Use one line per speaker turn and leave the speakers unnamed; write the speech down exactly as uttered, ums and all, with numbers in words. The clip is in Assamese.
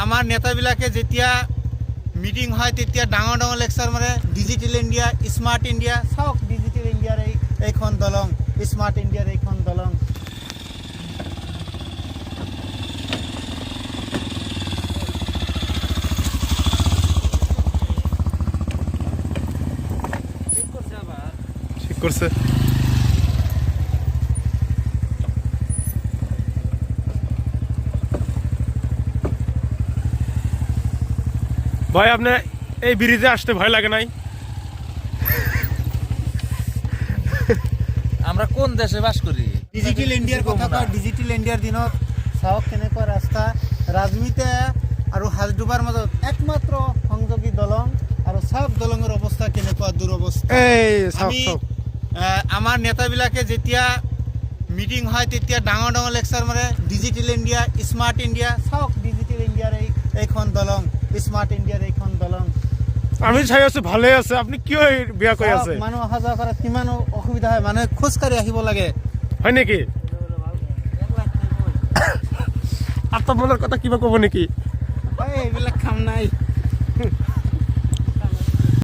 আমাৰ নেতাবিলাকে যেতিয়া মিটিং হয় তেতিয়া ডাঙৰ ডাঙৰ লেকচাৰ মাৰে ডিজিটেল ইণ্ডিয়া স্মাৰ্ট ইণ্ডিয়া চাওক ডিজিটেল ইণ্ডিয়াৰ এই এইখন দলং স্মাৰ্ট ইণ্ডিয়াৰ এইখন দলং
ঠিক করছে ভাই আপনি এই ব্রিজে আসতে ভয় লাগে নাই?
আমরা কোন দেশে বাস করি?
ডিজিটেল ইণ্ডিয়াৰ কথা কয় ডিজিটেল ইণ্ডিয়াৰ দিনত চাওক কেনেকুৱা ৰাস্তা ৰাজমিতে আৰু হাজদুবাৰ মাজত একমাত্ৰ সংযোগী দলং আৰু চাওক দলঙৰ অৱস্থা কেনেকুৱা দুৰৱস্থা
এই
আমি আমাৰ নেতাবিলাকে যেতিয়া মিটিং হয় তেতিয়া ডাঙৰ ডাঙৰ লেকচাৰ মাৰে ডিজিটেল ইণ্ডিয়া স্মাৰ্ট ইণ্ডিয়া চাওক ডিজিটেল ইণ্ডিয়াৰ এই এইখন দলং স্মাৰ্ট ইণ্ডিয়াৰ এইখন দলং
আমি চাই আছো ভালে আছে আপনি কিয় বিয়া কৈ আছে
মানুহ অহা যোৱা কৰাত কিমান অসুবিধা হয় মানুহে খোজকাঢ়ি আহিব লাগে
হয় নেকি আপনার মনের কথা কিবা কব নাকি
এইবিলাক কাম নাই